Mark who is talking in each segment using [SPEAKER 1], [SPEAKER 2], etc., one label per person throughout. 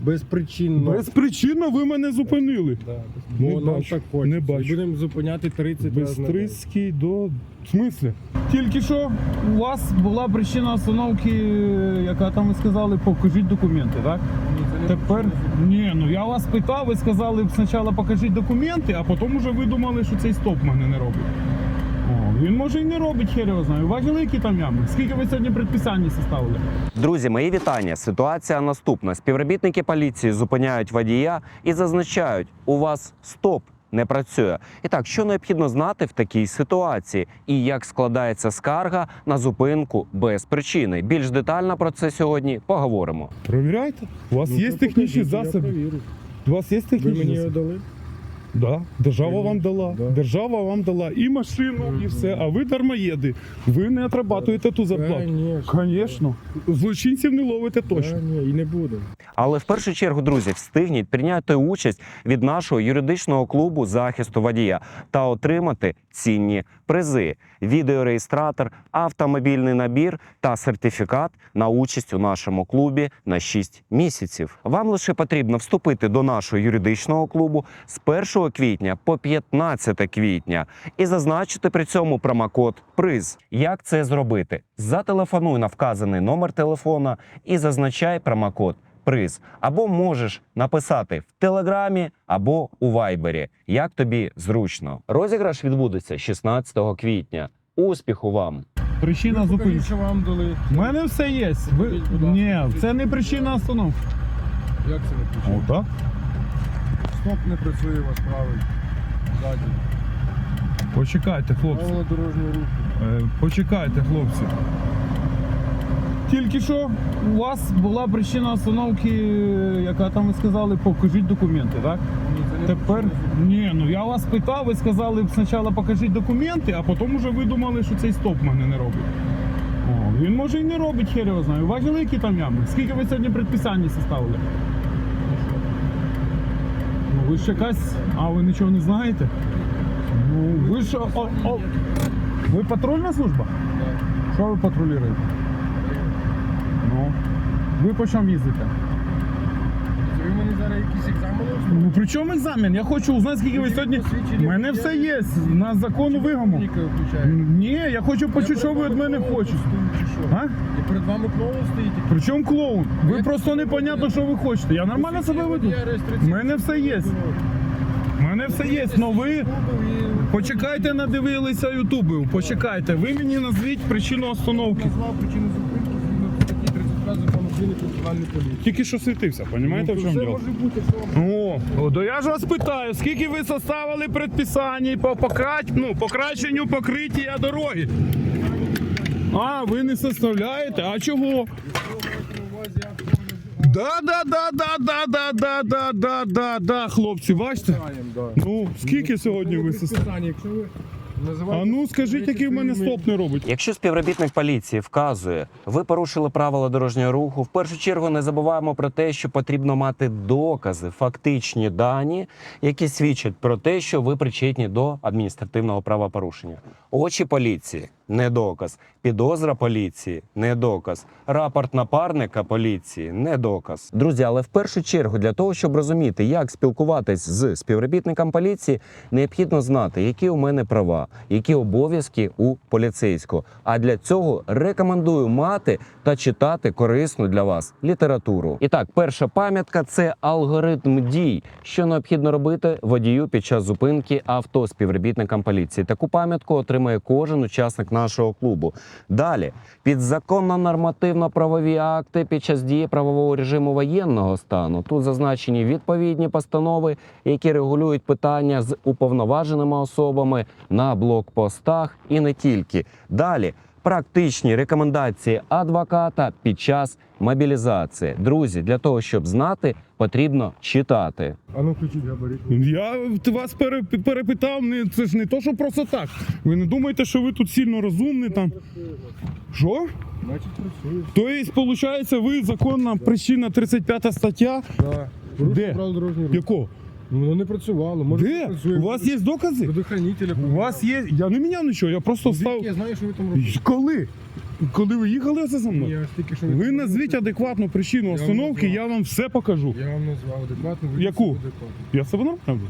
[SPEAKER 1] Безпричинно.
[SPEAKER 2] Безпричинно ви мене зупинили.
[SPEAKER 1] Да.
[SPEAKER 2] Не
[SPEAKER 1] Бо нам
[SPEAKER 2] бачу,
[SPEAKER 1] так хочеться.
[SPEAKER 2] не бачу.
[SPEAKER 1] І будемо зупиняти 30 разів на день.
[SPEAKER 2] Бистрицький до... В смислі? Тільки що у вас була причина остановки, яка там ви сказали, покажіть документи, так? Тепер, ні, ну я вас питав, ви сказали спочатку покажіть документи, а потім вже ви думали, що цей стоп мене не робить. О, він може і не робить, хер його знаю. Бачили, які там ями? Скільки ви сьогодні предписань составили?
[SPEAKER 3] Друзі, мої вітання. Ситуація наступна. Співробітники поліції зупиняють водія і зазначають, у вас стоп не працює. І так, що необхідно знати в такій ситуації? І як складається скарга на зупинку без причини? Більш детально про це сьогодні поговоримо.
[SPEAKER 2] Провіряйте. У вас
[SPEAKER 1] Ну,
[SPEAKER 2] є
[SPEAKER 1] то
[SPEAKER 2] технічні
[SPEAKER 1] покажіть, я
[SPEAKER 2] засоби.
[SPEAKER 1] провірю.
[SPEAKER 2] У вас є
[SPEAKER 1] Ви
[SPEAKER 2] технічні
[SPEAKER 1] мені
[SPEAKER 2] засоби?
[SPEAKER 1] його дали?
[SPEAKER 2] Да, держава вам дала.
[SPEAKER 1] Да.
[SPEAKER 2] Держава вам дала і машину, і все. А ви дармоєди. Ви не отрабатуєте ту зарплату. Звісно. Злочинців не ловите точно.
[SPEAKER 1] Ні, і не буде.
[SPEAKER 3] Але в першу чергу, друзі, встигніть прийняти участь від нашого юридичного клубу захисту водія та отримати цінні призи: відеореєстратор, автомобільний набір та сертифікат на участь у нашому клубі на 6 місяців. Вам лише потрібно вступити до нашого юридичного клубу з 1 квітня по 15 квітня і зазначити при цьому промокод ПРИЗ. Як це зробити? Зателефонуй на вказаний номер телефона і зазначай промокод ПРИЗ. Або можеш написати в Телеграмі, або у Вайбері. Як тобі зручно. Розіграш відбудеться 16 квітня. Успіху вам!
[SPEAKER 2] Причина зупинки.
[SPEAKER 1] Покажіть, що вам дали.
[SPEAKER 2] У мене все є. Ви...
[SPEAKER 1] Будь ласка.
[SPEAKER 2] Ні, це не причина остановки.
[SPEAKER 1] Як це не причина?
[SPEAKER 2] О, так?
[SPEAKER 1] Стоп не працює, вас правий. Ззаді.
[SPEAKER 2] Почекайте, хлопці.
[SPEAKER 1] Правила дорожнього руху.
[SPEAKER 2] Почекайте, хлопці. Тільки що у вас була причина остановки, яка там ви сказали, покажіть документи, так?
[SPEAKER 1] Ні, це не
[SPEAKER 2] Тепер,
[SPEAKER 1] причина.
[SPEAKER 2] ні, ну я вас питав, ви сказали спочатку покажіть документи, а потім вже ви думали, що цей стоп мене не робить. О, він може і не робить, хер його знаю. Бачили, які там ями? Скільки ви сьогодні предписань составили? Ну ви ж якась... А, ви нічого не знаєте? Ну, ви ж... Ви патрульна служба?
[SPEAKER 1] Так.
[SPEAKER 2] Що ви патрулюєте? Ну, ви по чому їздите?
[SPEAKER 1] Ви мені зараз якісь екзамени?
[SPEAKER 2] Ну при чому екзамен? Я хочу узнати, скільки ви сьогодні... У мене все є, на закону вимогу. Ні, я хочу почути, що ви від мене хочете. А?
[SPEAKER 1] І перед вами клоун стоїть.
[SPEAKER 2] При чому клоун? Ви просто непонятно, що ви хочете. Я нормально себе веду. У мене все є. У мене все є, но ви... Почекайте, надивилися ютубів. Почекайте, ви мені назвіть причину остановки.
[SPEAKER 1] Назвав причину зупинки згідно статті 32 закону України про національну поліцію.
[SPEAKER 2] Тільки що світився, розумієте, в чому
[SPEAKER 1] Все
[SPEAKER 2] діло?
[SPEAKER 1] може бути, що вам...
[SPEAKER 2] О, то я ж вас питаю, скільки ви составили предписань по покращенню покриття дороги? А, ви не составляєте? А чого? Да, хлопці, бачите? Ну, скільки сьогодні ви составили?
[SPEAKER 1] Якщо ви
[SPEAKER 2] А
[SPEAKER 1] називаєте...
[SPEAKER 2] ну, скажіть, який в мене стоп не робить?
[SPEAKER 3] Якщо співробітник поліції вказує, ви порушили правила дорожнього руху, в першу чергу не забуваємо про те, що потрібно мати докази, фактичні дані, які свідчать про те, що ви причетні до адміністративного правопорушення. Очі поліції – не доказ. Підозра поліції – не доказ. Рапорт напарника поліції – не доказ. Друзі, але в першу чергу для того, щоб розуміти, як спілкуватись з співробітником поліції, необхідно знати, які у мене права, які обов'язки у поліцейського. А для цього рекомендую мати та читати корисну для вас літературу. І так, перша пам'ятка – це алгоритм дій, що необхідно робити водію під час зупинки авто співробітникам поліції. Таку пам'ятку отримає кожен учасник нашого клубу. Далі, підзаконно нормативно-правові акти під час дії правового режиму воєнного стану. Тут зазначені відповідні постанови, які регулюють питання з уповноваженими особами на блокпостах і не тільки. Далі, практичні рекомендації адвоката під час мобілізації. Друзі, для того, щоб знати, потрібно читати.
[SPEAKER 1] А ну включіть габарит.
[SPEAKER 2] Я вас перепитав, це ж не то, що просто так. Ви не думаєте, що ви тут сильно розумні там? Що?
[SPEAKER 1] Значить працює.
[SPEAKER 2] Тобто, виходить, ви законна причина 35 стаття?
[SPEAKER 1] Да.
[SPEAKER 2] Де?
[SPEAKER 1] Правила дорожнього руху.
[SPEAKER 2] Якого?
[SPEAKER 1] Ну, воно не працювало. Може,
[SPEAKER 2] Де?
[SPEAKER 1] працює.
[SPEAKER 2] У вас є докази?
[SPEAKER 1] Предохранителя.
[SPEAKER 2] У вас є? Я не міняв нічого, я просто став...
[SPEAKER 1] Я знаю, що ви там робите.
[SPEAKER 2] Коли? Коли ви їхали це за мною?
[SPEAKER 1] Я ж тільки що
[SPEAKER 2] Ви назвіть адекватну причину
[SPEAKER 1] вам
[SPEAKER 2] остановки,
[SPEAKER 1] назвав.
[SPEAKER 2] я вам все покажу.
[SPEAKER 1] Я вам назвав адекватно. ви
[SPEAKER 2] Яку?
[SPEAKER 1] адекватно.
[SPEAKER 2] Я себе нормально?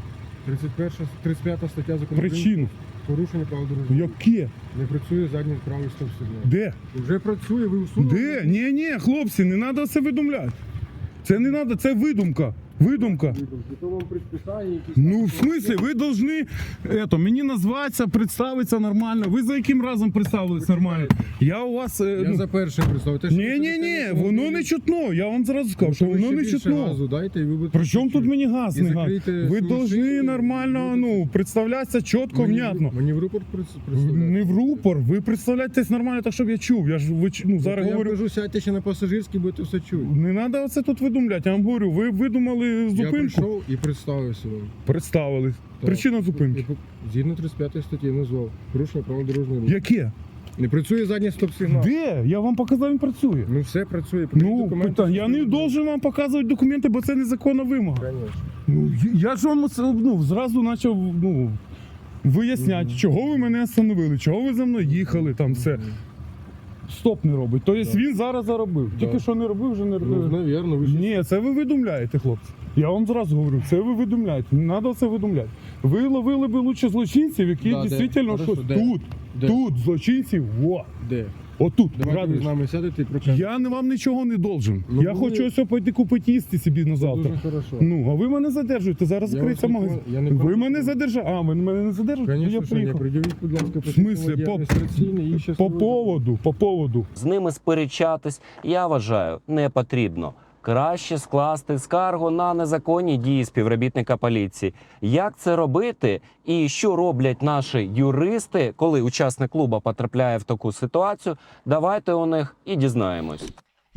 [SPEAKER 1] 35 стаття закону України.
[SPEAKER 2] Причину.
[SPEAKER 1] Порушення правил дорожнього руху.
[SPEAKER 2] Яке?
[SPEAKER 1] Не працює задній правий стоп-сигнал.
[SPEAKER 2] Де?
[SPEAKER 1] Вже працює, ви усунули.
[SPEAKER 2] Де? Ні, хлопці, не треба це видумляти. Це не треба, це видумка. Видумка.
[SPEAKER 1] То вам предписання якісь.
[SPEAKER 2] Ну, в смислі, ви повинні мені назватися, представитися нормально. Ви за яким разом представились нормально? Я у вас.
[SPEAKER 1] Я за першим представив. Те, що ви
[SPEAKER 2] Ні,
[SPEAKER 1] сидите,
[SPEAKER 2] воно не чутно. Я вам зразу сказав, що
[SPEAKER 1] ви
[SPEAKER 2] воно
[SPEAKER 1] ще
[SPEAKER 2] не
[SPEAKER 1] більше
[SPEAKER 2] чутно.
[SPEAKER 1] газу дайте, і ви будете
[SPEAKER 2] При чому тут
[SPEAKER 1] чути.
[SPEAKER 2] мені газ
[SPEAKER 1] І
[SPEAKER 2] не газ?
[SPEAKER 1] закрийте
[SPEAKER 2] Ви
[SPEAKER 1] свої
[SPEAKER 2] повинні
[SPEAKER 1] шини,
[SPEAKER 2] нормально
[SPEAKER 1] будете-
[SPEAKER 2] представлятися чітко, внятно.
[SPEAKER 1] Мені в рупор представляєте.
[SPEAKER 2] Не в рупор, ви представляєтесь нормально, так щоб я чув. Я ж зараз
[SPEAKER 1] Я
[SPEAKER 2] говорю.
[SPEAKER 1] кажу, сядьте ще на пасажирський, будете все чути.
[SPEAKER 2] Не треба оце тут видумляти. Я вам говорю, ви видумали
[SPEAKER 1] Я
[SPEAKER 2] зупинку.
[SPEAKER 1] прийшов і представився вам.
[SPEAKER 2] Представились.
[SPEAKER 1] Так.
[SPEAKER 2] Причина зупинки.
[SPEAKER 1] Згідно 35 статті назвав. Порушення правил дорожнього руху.
[SPEAKER 2] Яке?
[SPEAKER 1] Не працює задній стоп-сигнал.
[SPEAKER 2] Де? Я вам показав, він працює.
[SPEAKER 1] Ну все працює. Покажіть
[SPEAKER 2] Ну,
[SPEAKER 1] документи,
[SPEAKER 2] питання. Я не
[SPEAKER 1] що
[SPEAKER 2] должен вам показувати документи, бо це незаконна вимога.
[SPEAKER 1] Конечно.
[SPEAKER 2] Ну, я ж вам зразу почав виясняти, чого ви мене остановили, чого ви за мною їхали, там все. Стоп не робить. Тобто він зараз заробив.
[SPEAKER 1] Да.
[SPEAKER 2] Тільки що не робив, вже не
[SPEAKER 1] Ну,
[SPEAKER 2] робив.
[SPEAKER 1] навірно, ви ж...
[SPEAKER 2] Ні, це ви видумляєте, хлопці. Я вам зразу говорю, це ви видумляєте. Не треба це видумляти. Ви ловили би лучше злочинців, які
[SPEAKER 1] Да, де?
[SPEAKER 2] дійсно
[SPEAKER 1] Хорошо,
[SPEAKER 2] щось
[SPEAKER 1] де?
[SPEAKER 2] тут.
[SPEAKER 1] Де?
[SPEAKER 2] Тут злочинців,
[SPEAKER 1] Де?
[SPEAKER 2] отут.
[SPEAKER 1] Давайте ви
[SPEAKER 2] радуєш.
[SPEAKER 1] з нами сядете і прокажете.
[SPEAKER 2] Я вам нічого не должен.
[SPEAKER 1] Ну,
[SPEAKER 2] я
[SPEAKER 1] ви-
[SPEAKER 2] хочу ось пойти купити їсти собі на завтра.
[SPEAKER 1] Дуже хорошо.
[SPEAKER 2] Ну, а ви мене задержуєте, зараз
[SPEAKER 1] Я
[SPEAKER 2] закриється
[SPEAKER 1] вас не
[SPEAKER 2] магазин.
[SPEAKER 1] кон- я не
[SPEAKER 2] Ви
[SPEAKER 1] кон-
[SPEAKER 2] мене задержали. А, ви мене не задержуєте?
[SPEAKER 1] Конечно,
[SPEAKER 2] Я
[SPEAKER 1] що ні.
[SPEAKER 2] приїхав.
[SPEAKER 1] Пред'явіть, будь ласка,
[SPEAKER 2] В смислі?
[SPEAKER 1] адміністраційний і
[SPEAKER 2] По
[SPEAKER 1] щасливий.
[SPEAKER 2] поводу.
[SPEAKER 3] З ними сперечатись, я вважаю, не потрібно. Краще скласти скаргу на незаконні дії співробітника поліції. Як це робити і що роблять наші юристи, коли учасник клубу потрапляє в таку ситуацію, давайте у них і дізнаємось.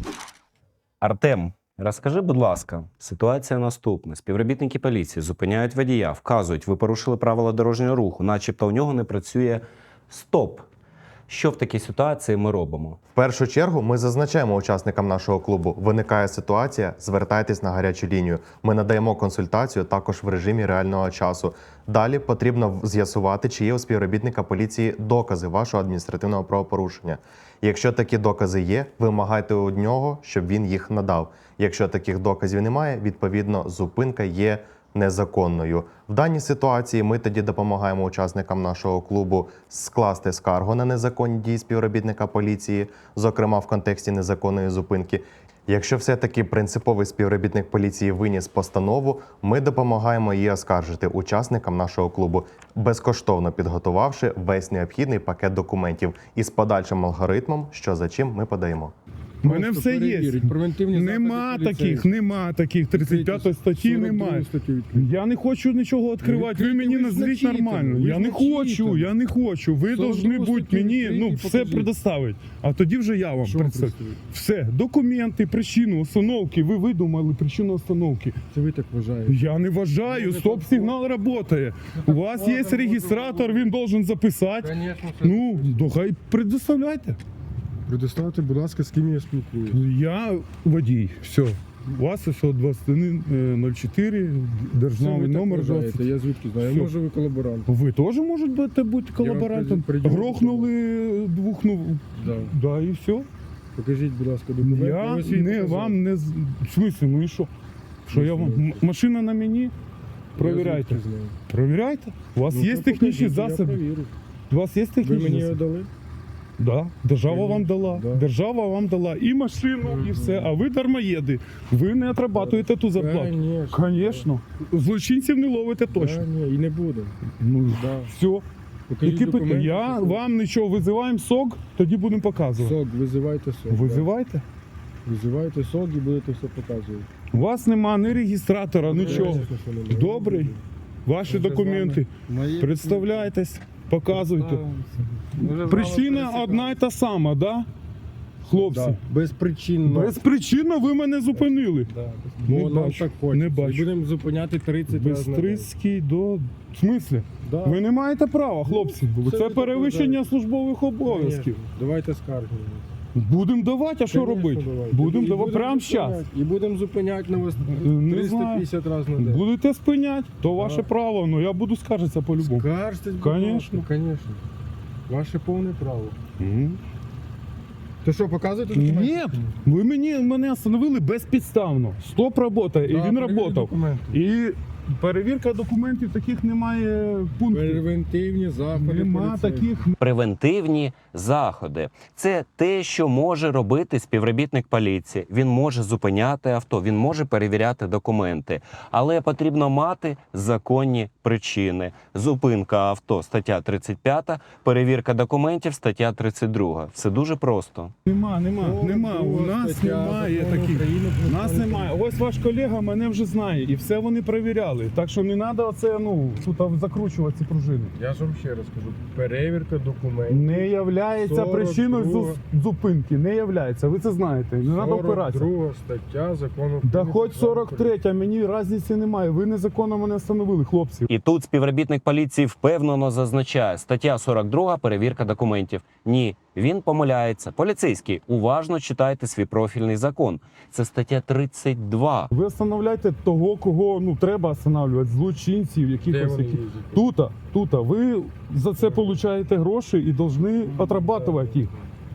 [SPEAKER 3] Артем, розкажи, будь ласка, ситуація наступна. Співробітники поліції зупиняють водія, вказують, ви порушили правила дорожнього руху, начебто у нього не працює стоп. Що в такій ситуації ми робимо?
[SPEAKER 4] В першу чергу ми зазначаємо учасникам нашого клубу. Виникає ситуація, звертайтесь на гарячу лінію. Ми надаємо консультацію також в режимі реального часу. Далі потрібно з'ясувати, чи є у співробітника поліції докази вашого адміністративного правопорушення. Якщо такі докази є, вимагайте у нього, щоб він їх надав. Якщо таких доказів немає, відповідно, зупинка є незаконною. В даній ситуації ми тоді допомагаємо учасникам нашого клубу скласти скаргу на незаконні дії співробітника поліції, зокрема в контексті незаконної зупинки. Якщо все-таки принциповий співробітник поліції виніс постанову, ми допомагаємо її оскаржити учасникам нашого клубу, безкоштовно підготувавши весь необхідний пакет документів із подальшим алгоритмом, що за чим ми подаємо.
[SPEAKER 2] У мене
[SPEAKER 1] Просто
[SPEAKER 2] все є.
[SPEAKER 1] перевірить. Превентивні
[SPEAKER 2] Нема
[SPEAKER 1] заходи
[SPEAKER 2] таких. 35 статті немає. Я не хочу нічого відкривати. Ви мені
[SPEAKER 1] ви ж
[SPEAKER 2] назвіть
[SPEAKER 1] начитані,
[SPEAKER 2] нормально.
[SPEAKER 1] ви
[SPEAKER 2] Я
[SPEAKER 1] ж
[SPEAKER 2] не
[SPEAKER 1] начитані.
[SPEAKER 2] хочу. Ви
[SPEAKER 1] 42
[SPEAKER 2] повинні бути
[SPEAKER 1] статтю
[SPEAKER 2] мені
[SPEAKER 1] відкрийте і
[SPEAKER 2] все
[SPEAKER 1] покажіть.
[SPEAKER 2] предоставити. А тоді вже я вам
[SPEAKER 1] Що вам
[SPEAKER 2] представлю.
[SPEAKER 1] представити?
[SPEAKER 2] Все, документи, причину остановки. Ви видумали причину остановки.
[SPEAKER 1] Це ви так вважаєте.
[SPEAKER 2] Я не вважаю, стоп-сигнал працює. У вас є реєстратор, він должен записати.
[SPEAKER 1] Конечно, це
[SPEAKER 2] Ну, то хай предоставляйте.
[SPEAKER 1] предоставте, будь ласка, з ким я спілкуюся.
[SPEAKER 2] Я водій. Все. У вас ось 2104, державний номер 20.
[SPEAKER 1] Я звідки знаю?
[SPEAKER 2] Все.
[SPEAKER 1] Може ви колаборант.
[SPEAKER 2] Ви теж можете бути колаборантом.
[SPEAKER 1] приділю
[SPEAKER 2] Грохнули двох,
[SPEAKER 1] Да.
[SPEAKER 2] да, і все.
[SPEAKER 1] Покажіть, будь ласка, документи.
[SPEAKER 2] Я
[SPEAKER 1] ось їх
[SPEAKER 2] не
[SPEAKER 1] показав.
[SPEAKER 2] вам не в смислі, ну і що? Що я вам? Машина на мені?
[SPEAKER 1] Я
[SPEAKER 2] Провіряйте.
[SPEAKER 1] звідки знаю.
[SPEAKER 2] Провіряйте. У вас
[SPEAKER 1] Ну,
[SPEAKER 2] є
[SPEAKER 1] то
[SPEAKER 2] технічні
[SPEAKER 1] покажіть, я
[SPEAKER 2] засоби?
[SPEAKER 1] провірю.
[SPEAKER 2] У вас є
[SPEAKER 1] Ви
[SPEAKER 2] технічні
[SPEAKER 1] мені його
[SPEAKER 2] засоби?
[SPEAKER 1] дали?
[SPEAKER 2] Да. Держава
[SPEAKER 1] Конечно,
[SPEAKER 2] вам дала.
[SPEAKER 1] да.
[SPEAKER 2] Держава вам дала і машину, і все. А ви дармоєди. Ви не отрабатуєте ту зарплату.
[SPEAKER 1] Конечно.
[SPEAKER 2] Звісно. Злочинців не ловите точно.
[SPEAKER 1] Ні, і не буде.
[SPEAKER 2] Ну,
[SPEAKER 1] Да.
[SPEAKER 2] все.
[SPEAKER 1] Покажіть
[SPEAKER 2] Які
[SPEAKER 1] документи,
[SPEAKER 2] питання? Я
[SPEAKER 1] що-
[SPEAKER 2] вам нічого визиваємо сок, тоді будемо показувати.
[SPEAKER 1] Сок, визивайте сок.
[SPEAKER 2] Визивайте.
[SPEAKER 1] Да. Визивайте сок і будете все показувати.
[SPEAKER 2] У вас нема ні реєстратора, нічого.
[SPEAKER 1] Звісно, що немає.
[SPEAKER 2] Добрий. Ваші документи. Представляйтесь, показуйте. Причина одна й та сама, да? Хлопці.
[SPEAKER 1] Да. Безпричинно.
[SPEAKER 2] Безпричинно ви мене зупинили.
[SPEAKER 1] Бо
[SPEAKER 2] Не
[SPEAKER 1] нам
[SPEAKER 2] бачу,
[SPEAKER 1] так хочеться.
[SPEAKER 2] не бачу.
[SPEAKER 1] І будемо зупиняти 30 разів на день.
[SPEAKER 2] Бистрицький до. В смислі?
[SPEAKER 1] Да.
[SPEAKER 2] Ви не маєте права, хлопці.
[SPEAKER 1] це
[SPEAKER 2] Це
[SPEAKER 1] ви
[SPEAKER 2] перевищення
[SPEAKER 1] так
[SPEAKER 2] службових обов'язків.
[SPEAKER 1] Конечно. Давайте скарги.
[SPEAKER 2] Будемо давати, а що
[SPEAKER 1] Конечно,
[SPEAKER 2] робити?
[SPEAKER 1] давайте.
[SPEAKER 2] Будемо
[SPEAKER 1] І
[SPEAKER 2] давати прямо
[SPEAKER 1] зупиняти.
[SPEAKER 2] зараз.
[SPEAKER 1] І будемо зупиняти на вас
[SPEAKER 2] Не
[SPEAKER 1] 350 разів на день.
[SPEAKER 2] Будете спиняти, то ваше
[SPEAKER 1] Да.
[SPEAKER 2] право, але я буду скаржитися по-любому.
[SPEAKER 1] Скаржтесь, будь
[SPEAKER 2] Конечно.
[SPEAKER 1] ласка, конечно. Ваше повне право.
[SPEAKER 2] Мгм.
[SPEAKER 1] То що, показуєте документи?
[SPEAKER 2] Ні, ви мене остановили безпідставно. Стоп робота, і
[SPEAKER 1] Да,
[SPEAKER 2] він
[SPEAKER 1] перевірте
[SPEAKER 2] працював.
[SPEAKER 1] документи.
[SPEAKER 2] І перевірка документів таких немає пунктів.
[SPEAKER 1] Превентивні заходи.
[SPEAKER 2] Нема
[SPEAKER 1] поліцейські.
[SPEAKER 2] таких.
[SPEAKER 3] Превентивні заходи це те, що може робити співробітник поліції. Він може зупиняти авто, він може перевіряти документи, але потрібно мати законні причини. Зупинка авто стаття 35, перевірка документів стаття 32. Все дуже просто.
[SPEAKER 2] Нема. У
[SPEAKER 1] Друга
[SPEAKER 2] нас
[SPEAKER 1] стаття
[SPEAKER 2] немає
[SPEAKER 1] Закону
[SPEAKER 2] таких.
[SPEAKER 1] України
[SPEAKER 2] У
[SPEAKER 1] про
[SPEAKER 2] нас
[SPEAKER 1] національну
[SPEAKER 2] немає. Ось ваш колега мене вже знає, і все вони перевіряли. Так що не треба оце, тут закручувати ці пружини.
[SPEAKER 1] Я ж вам ще раз кажу, перевірка документів.
[SPEAKER 2] Не являється
[SPEAKER 1] 42.
[SPEAKER 2] причиною зупинки. Не являється. Ви це знаєте. Не треба опиратися.
[SPEAKER 1] 42 стаття закону
[SPEAKER 2] Да
[SPEAKER 1] України
[SPEAKER 2] хоч
[SPEAKER 1] про національну
[SPEAKER 2] 43, мені різниці немає. Ви незаконно мене встановили, хлопці.
[SPEAKER 3] І тут співробітник поліції впевнено зазначає, стаття 42 перевірка документів. Ні, він помиляється. Поліцейський, уважно читайте свій профільний закон. Це стаття 32.
[SPEAKER 2] Ви встановляєте того, кого треба встановлювати, злочинців,
[SPEAKER 1] Де
[SPEAKER 2] якихось.
[SPEAKER 1] вони
[SPEAKER 2] Які...
[SPEAKER 1] їздять?
[SPEAKER 2] Тут. Ви за це отримуєте гроші і повинні отрабатувати їх.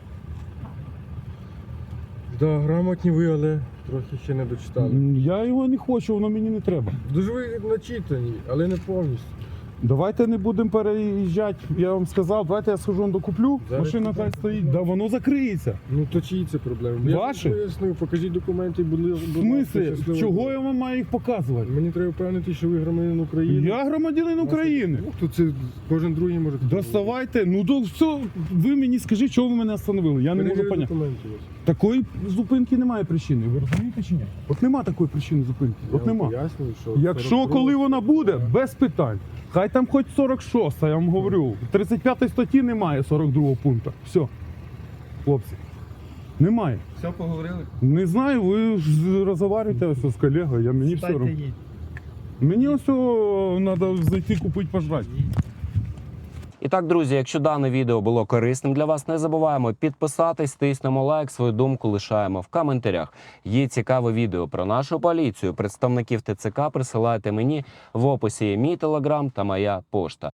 [SPEAKER 1] Да, грамотні ви, але трохи ще не дочитали.
[SPEAKER 2] Я його не хочу, воно мені не треба.
[SPEAKER 1] Дуже ви начитані, але не повністю.
[SPEAKER 2] Давайте не будемо переїжджати. Я вам сказав, давайте я схожу докуплю,
[SPEAKER 1] Зараз
[SPEAKER 2] машина хай
[SPEAKER 1] купите.
[SPEAKER 2] стоїть, да воно закриється.
[SPEAKER 1] Ну то чиї це проблеми?
[SPEAKER 2] Ваші?
[SPEAKER 1] Я вам пояснив, покажіть документи, будь
[SPEAKER 2] В
[SPEAKER 1] ласка,
[SPEAKER 2] смислі,
[SPEAKER 1] щасливо.
[SPEAKER 2] чого я вам маю їх показувати?
[SPEAKER 1] Мені треба впевнити, що ви громадянин України.
[SPEAKER 2] Я громадянин України.
[SPEAKER 1] Ну, то це кожен другий може.
[SPEAKER 2] Доставайте, то все, ви мені скажіть, чого ви мене остановили, я не можу
[SPEAKER 1] Перевірю
[SPEAKER 2] поняти.
[SPEAKER 1] документи у вас.
[SPEAKER 2] Такої зупинки немає причини, ви розумієте чи ні? От нема такої причини зупинки,
[SPEAKER 1] Я
[SPEAKER 2] от
[SPEAKER 1] вам
[SPEAKER 2] нема.
[SPEAKER 1] пояснюю, що
[SPEAKER 2] Якщо
[SPEAKER 1] 42
[SPEAKER 2] коли вона буде,
[SPEAKER 1] стаття.
[SPEAKER 2] без питань. Хай там хоч 46, я вам говорю. В 35 статті немає 42 пункту. Все. Хлопці. Немає.
[SPEAKER 1] Все поговорили?
[SPEAKER 2] Не знаю, ви ж розмовляєте ось з колегою, мені все одно. Мені ось треба зайти купити пожрати.
[SPEAKER 3] І так, друзі, якщо дане відео було корисним для вас, не забуваємо підписатись, тиснемо лайк, свою думку лишаємо в коментарях. Є цікаве відео про нашу поліцію. Представників ТЦК присилайте мені, в описі є мій телеграм та моя пошта.